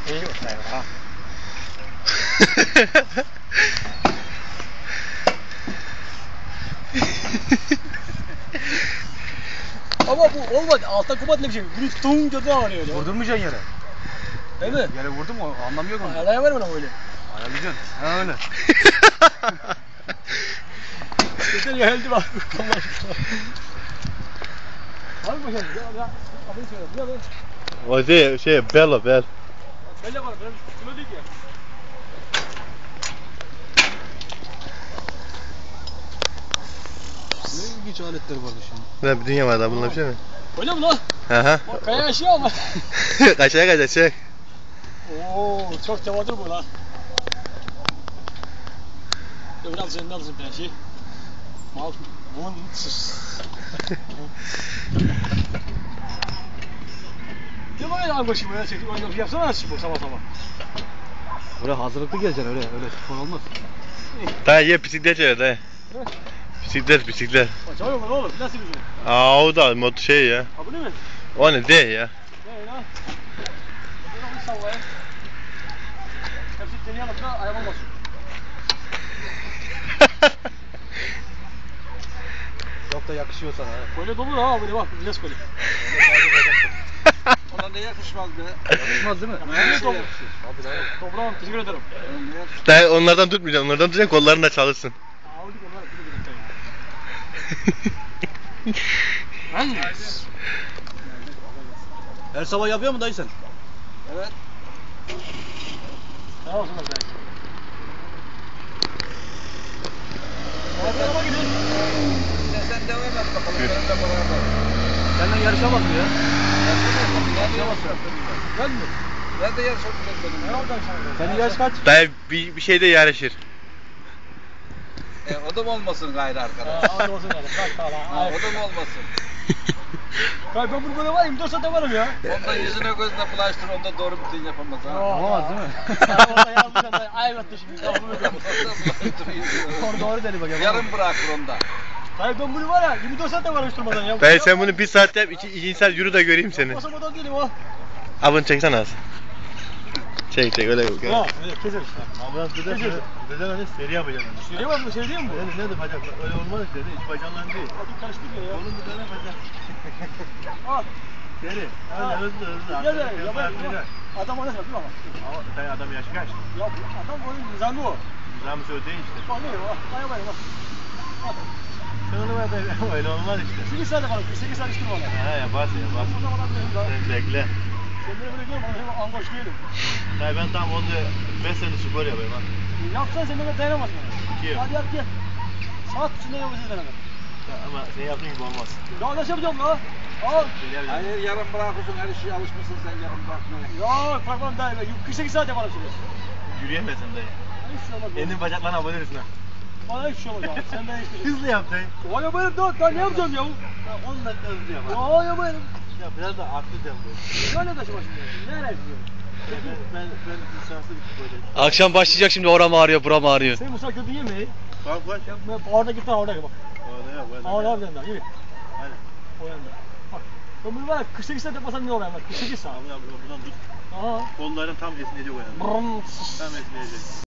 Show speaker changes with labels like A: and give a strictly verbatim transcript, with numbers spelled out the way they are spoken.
A: İyi olsun ha.
B: Ama bu olmadı. Altta kubat ne bir şey. Bunu tuğum kötü ağrıyor ya.
A: Vurdurmayacaksın yere.
B: Değil mi?
A: Yere vurdun mu anlamıyor musun?
B: Ayarlayamam ben öyle.
A: Ayarlayacaksın. Ha öyle.
B: Geçen geldi bak. Allah aşkına. Var mı bakalım? Ya ya. Adını söyle. Ya ben.
C: O şey, şey, bel o, bel.
B: Belle var. Benim kilo değil ya.
A: Ne ilginç aletler vardı şimdi.
C: Ne bir dünya var da bununla bir şey mi?
B: Öyle mi lan?
C: Hı hı.
B: Bak kaya yaşıyor ama.
C: Kaçaya kaçaya çek.
B: Oo, çok cavadır bu lan. Ya biraz üzerinden alırım ben şey. Mal, bunun sus. Ya böyle al başımı ya çekip oyunu yapsana şu bu sabah sabah.
A: Buraya hazırlıklı geleceksin öyle öyle spor olmaz.
C: Dayı ye bisiklet çevir dayı. Bisiklet bisiklet.
B: Acaba yok oğlum nasıl bir şey?
C: Aa o da mod şey ya.
B: Ha bu ne mi?
C: O ne değil ya.
B: Ne lan? Bunu bir sallayayım. Hepsi seni yanıp da ayağım olmasın.
A: Çok da yakışıyor sana.
B: Böyle dolu ha böyle bak biraz böyle.
D: Ona ne yakışmaz be?
A: Yakışmaz değil mi?
B: Ne dolu?
A: Abi dayı.
B: Toprağım teşekkür ederim.
C: Dayı onlardan tutmayacaksın. Onlardan tutacaksın kolların da çalışsın.
B: Aldık onlar bir dakika ya.
A: Her sabah yapıyor mu dayı sen?
D: Evet.
B: Sağ olsun belki. Hadi araba gidelim.
D: Sen, sen devam et bakalım. Benimle beraber.
A: Senden yarışamaz mı ya?
D: Yarışamaz.
B: Gel mi?
D: Nerede yarışamayacağız benim?
B: Ne oldu akşam?
A: Senin yaş kaç?
C: Dayı bir, bir şeyde yarışır.
D: E, o da mı olmasın gayrı arkadaş?
B: Aa, hadi olsun yani. Bak tamam.
D: Ha, o da mı olmasın?
B: Bak ben bunu böyle var yirmi dört saatte varım ya.
D: Onda yüzüne gözüne bulaştır, onda doğru bütün yapamaz ha.
A: Olamaz değil mi?
B: Ya orada yazmışım da ayvattı şimdi. Kafamı ödüyorum.
A: Doğru doğru dedi bak.
D: Yarım bırakır onda.
B: Hayır ben bunu var ya yirmi dört saatte varım durmadan ya.
C: Dayı sen bunu bir saat yap, iki, ikinci saat yürü de göreyim seni.
B: Basamadan değilim o.
C: Abını çeksene az. Çek çek öyle.
B: Ha öyle keser işte.
C: Ama
B: Keser.
C: Deden hani seri yapacaksın.
B: Söyleyeyim mi? Söyleyeyim mi bu?
C: Ne de bacak öyle olmaz işte. Hiç bacağından değil.
B: Hadi karıştık ya.
C: Oğlum bir tane bacak.
B: Al.
C: Seri.
B: Ha.
C: Öyle hızlı hızlı.
B: Gel gel. Ya ben adam ona söyledi ama.
C: Ama dayı adam yaşı kaç?
B: Ya bu adam oyun nizamı o.
C: Güzel mi söyledi işte.
B: Bak ne o? Daya bak bak.
C: Sen onu ver dayı. Öyle olmaz işte.
B: sekiz saate var. sekiz saat içtim valla.
C: Ha yaparsın yaparsın.
B: O zaman ben daha.
C: Sen bekle.
B: Sen beni böyle diyorsun bana hemen angoş değilim.
C: Dayı ben tam onu beş sene spor yapayım ha.
B: Yapsan sen bana dayanamazsın.
C: Kim?
B: Hadi yap gel. Saat içinde yapacağız beraber.
C: Ama sen yaptığın gibi olmaz.
B: Ya nasıl yapacağım la? Al.
D: Hayır yarım bırakırsın, her şeye alışmışsın sen yarım bırakmaya.
B: Ya bırakmam daha iyi. kırk sekiz saat yaparım şimdi.
C: Yürüyemezsin dayı.
B: Hiç şey olmaz.
C: Elini bacaklarına abonerirsin ha.
B: Bana hiç şey olmaz abi. Sen de işte.
C: Hızlı yap dayı.
B: O ya benim daha, daha ne yapacağım ya?
C: on dakika hızlı yap.
B: Ya ya benim.
C: Ya biraz da aklı yap dayı.
B: Ne taşıma şimdi? Nereye gidiyorum?
C: Ben, ben, ben lisanslı bir sporcuyum.
E: Akşam başlayacak şimdi oram ağrıyor buram ağrıyor.
B: Sen Musa gördün yemeği.
C: Bak bak.
B: Orada git lan orada bak.
C: Orada yok. Orada
B: Orada
C: yok.
B: bir yanda. Yürü.
C: Hadi.
B: O yanda. Bak. Ben bunu var ya kırk sekiz saat yapmasam ne olur yani? kırk sekiz saat.
C: Abi abi buradan tut.
B: Aha.
C: Kolların tam esneyecek o yani.
B: Brrrm.
C: Tam esneyecek.